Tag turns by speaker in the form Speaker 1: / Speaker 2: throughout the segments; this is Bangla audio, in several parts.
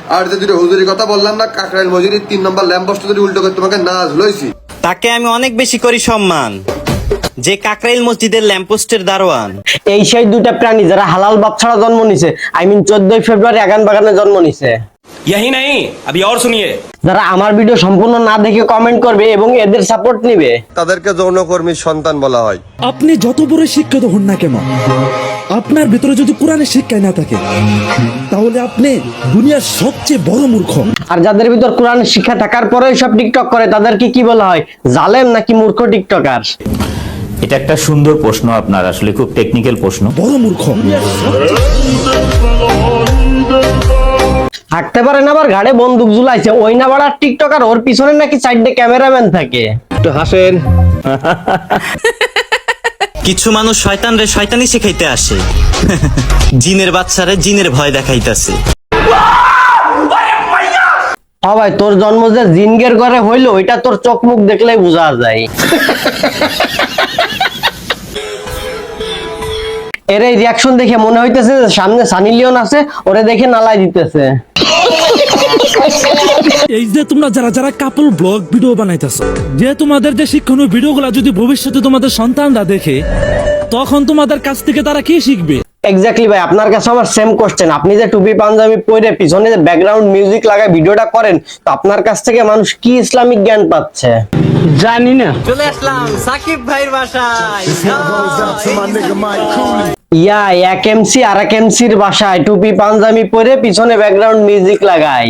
Speaker 1: আর যে দুটো হুজুরি কথা বললাম না, কাকরাইল মসজিদের 3 নম্বর ল্যাম্পপোস্ট যদি উল্টো করে তোমাকে নাচ লইছি,
Speaker 2: তাকে আমি অনেক বেশি করি সম্মান, যে কাকরাইল মসজিদের ল্যাম্পপোস্টের দারোয়ান।
Speaker 3: এই সেই দুটা প্রাণী যারা হালাল বাপ ছাড়া জন্ম নিছে, আই মিন 14 ফেব্রুয়ারি আগান বাগানে জন্ম নিছে।
Speaker 4: यही नहीं, अभी और सुनिए।
Speaker 3: যারা আমার ভিডিও সম্পূর্ণ না দেখে কমেন্ট করবে এবং এদের সাপোর্ট নিবে,
Speaker 1: তাদেরকে যৌনকর্মীর সন্তান বলা হয়।
Speaker 5: আপনি যত বড় শিক্ষিত হন না কেন, আপনার ভিতরে যদি কোরআনের শিক্ষাই না থাকে, তাহলে আপনি দুনিয়ার সবচেয়ে বড় মূর্খ।
Speaker 3: আর যাদের ভিতর কোরআনের শিক্ষা থাকার পরেও সব টিকটক করে, তাদেরকে কি বলা হয়, জালেম নাকি মূর্খ টিকটকার?
Speaker 6: এটা একটা সুন্দর প্রশ্ন আপনার, আসলে খুব টেকনিক্যাল প্রশ্ন।
Speaker 5: বড় মূর্খ।
Speaker 3: থাকতে পারে না, আবার ঘাড়ে বন্দুক ঝুলাইছে, ওই না বাড়ার টিকটকার, ওর পিছনে নাকি সাইডে ক্যামেরাম্যান থাকে। একটু হাসেন।
Speaker 2: কিছু মানুষ শয়তানরে শয়তানি শিখাইতে আসে, জিনের বাচ্চারে জিনের ভয় দেখাইতেছে।
Speaker 3: ভাই তোর জন্ম যে জিনগের ঘরে হইলো, ওইটা তোর চোখ মুখ দেখলেই বোঝা যায়। এর এই রিয়াকশন দেখে মনে হইতেছে যে সামনে সানি লিওন আছে, ওরে দেখে নালাই দিতেছে।
Speaker 5: এই যে তোমরা যারা যারা কাপল ব্লগ ভিডিও বানাইতেছো, যে তোমাদের যে শিক্ষণীয় ভিডিওগুলো যদি ভবিষ্যতে তোমাদের সন্তানরা দেখে, তখন তোমাদের কাছ থেকে তারা কি শিখবে?
Speaker 3: এক্স্যাক্টলি ভাই, আপনার কাছে আমার সেম কোশ্চেন। আপনি যে টুপি পাঞ্জাবি পরে পিছনে যে ব্যাকগ্রাউন্ড মিউজিক লাগায় ভিডিওটা করেন, তো আপনার কাছ থেকে মানুষ কি ইসলামিক জ্ঞান পাচ্ছে? জানি না।
Speaker 2: চলে আসলাম সাকিব ভাইয়ের বাসায়।
Speaker 3: ইয়া এক এমসি আর এক এমসির বাসায় টুপি পাঞ্জাবি পরে পিছনে ব্যাকগ্রাউন্ড মিউজিক লাগাই।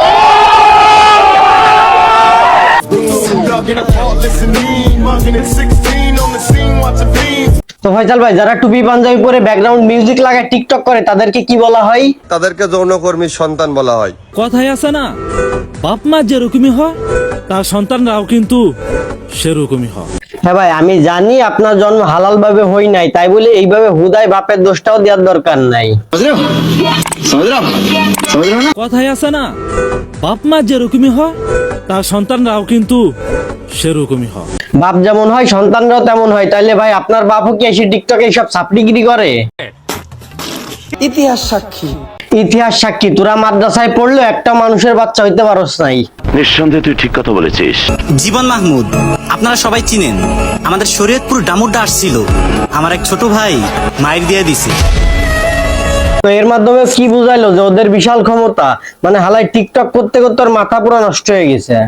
Speaker 3: তো ফয়সাল ভাই, যারা টুপি পাঞ্জাবি পরে ব্যাকগ্রাউন্ড মিউজিক লাগায় টিকটক করে, তাদেরকে কি বলা হয়?
Speaker 1: তাদেরকে যৌনকর্মীর সন্তান বলা হয়।
Speaker 5: কথাই আছে না, বাপ মা যেরকমই হয় তার সন্তানরাও কিন্তু সেরকমই হয়।
Speaker 3: হ্যাঁ ভাই, আমি জানি আপনার জন্ম হালাল ভাবে হই নাই, তাই বলে এইভাবে হুদায় বাপের দোষটাও দেওয়ার দরকার নাই।
Speaker 5: কথাই আছে না, বাপ মা যেরকমই হয় তার সন্তানরাও কিন্তু সেরকমই হয়।
Speaker 3: বাপ যেমন হয় সন্তানরাও তেমন হয়। তাইলে ভাই আপনার বাপও কি এসে টিকটকে এইসব সাপড়িগিরি করে?
Speaker 7: ইতিহাস সাক্ষী।
Speaker 3: ইতিহাস সাক্ষী, তোরা মাদ্রাসায় পড়লো একটা মানুষের বাচ্চা হইতে পারস নাই।
Speaker 8: নিঃসন্দেহে তুই ঠিক কথা বলেছিস।
Speaker 2: জীবন মাহমুদ আপনারা সবাই চিনেন, আমাদের শরীয়তপুর ডামুড্ডা আসছিল, আমার এক ছোট ভাই মাইর দিয়ে দিছে।
Speaker 3: তো এর মাধ্যমে কি বুঝাইলো যে ওদের বিশাল ক্ষমতা, মানে হালাই টিকটক করতে করতে ওর মাথা পুরো নষ্ট হয়ে গেছে।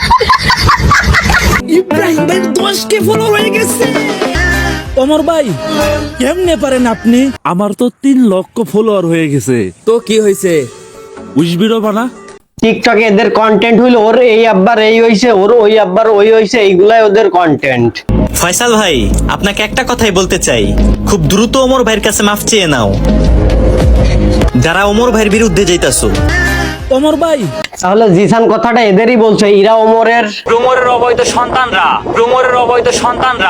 Speaker 5: ইব্রাহিম ভাই 10K ফলো হয়ে গেছে। ওমর ভাই কেমনে পারেন আপনি? আমার তো 3 লক্ষ ফলোয়ার হয়ে গেছে।
Speaker 7: তো কি হয়েছে?
Speaker 5: উইশ ভিডিও বানা।
Speaker 3: টিকটকে এদের কন্টেন্ট হইলো ওর এই আব্বার এই হইছে, ওর ওই আব্বার ওই হইছে, এইগুলাই ওদের কন্টেন্ট।
Speaker 2: ফয়সাল ভাই আপনাকে একটা কথাই বলতে চাই, খুব দ্রুত ওমর ভাইয়ের কাছে মাফ চেয়ে নাও, যারা ওমর ভাইয়ের বিরুদ্ধে যাইতাছো।
Speaker 5: ওমর ভাই
Speaker 3: তাহলে জিসান কথাটা এদেরই বলছে, ইরা ওমরের
Speaker 6: অবৈধ সন্তানরা।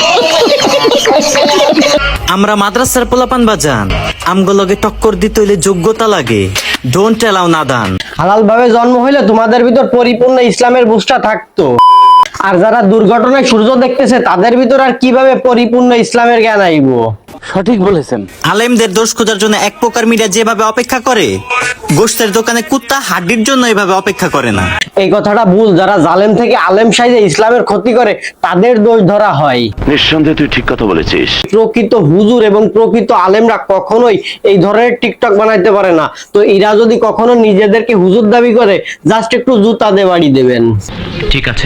Speaker 2: আমরা মাদ্রাসার পোলাপান বাজান, আমগুলোকে টক্কর দিতে হইলে যোগ্যতা লাগে, ডোন্ট অ্যালাউ নাদান।
Speaker 3: হালাল ভাবে জন্ম হইলে তোমাদের ভিতর পরিপূর্ণ ইসলামের বুঝটা থাকতো। আর যারা দুর্ঘটনায় সূর্য দেখতেছে, তাদের ভিতর আর কিভাবে পরিপূর্ণ ইসলামের জ্ঞান আইবো?
Speaker 7: সঠিক বলেছেন।
Speaker 2: আলেমদের দোষ খোঁজার জন্য এক প্রকার মিডিয়া যেভাবে অপেক্ষা করে, গোশতের দোকানে কুত্তা হাড্ডির জন্য এভাবে অপেক্ষা করে না।
Speaker 3: এই কথাটা ভুল। যারা জালেম থেকে আলেম সাইজে ইসলামের ক্ষতি করে, তাদের দোষ ধরা হয়।
Speaker 8: নিঃসন্দেহে তুই ঠিক কথা বলেছিস।
Speaker 3: প্রকৃত হুজুর এবং প্রকৃত আলেমরা কখনোই এই ধরনের টিকটক বানাইতে পারে না। তো এরা যদি কখনো নিজেদেরকে হুজুর দাবি করে, জাস্ট একটু জুতা দিয়ে বাড়ি দেবেন।
Speaker 6: ঠিক আছে।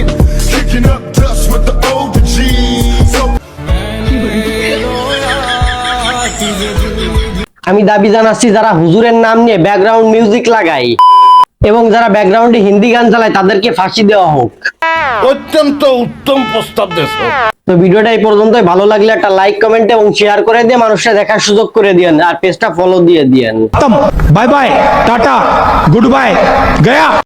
Speaker 3: আমি দাবি জানাচ্ছি, যারা হুজুরের নাম নিয়ে ব্যাকগ্রাউন্ড মিউজিক লাগায় এবং যারা ব্যাকগ্রাউন্ডে হিন্দি গান চালায়, তাদেরকে ফাঁসি দেওয়া হোক।
Speaker 4: অত্যন্ত উত্তম প্রস্তাব দেশ।
Speaker 3: তো ভিডিওটা এই পর্যন্তই। ভালো লাগলে একটা লাইক, কমেন্ট এবং শেয়ার করে দিয়ে মানুষরা দেখার সুযোগ করে দিয়েন, আর পেজটা ফলো দিয়ে দিয়েন।
Speaker 9: Bye bye tata goodbye गया।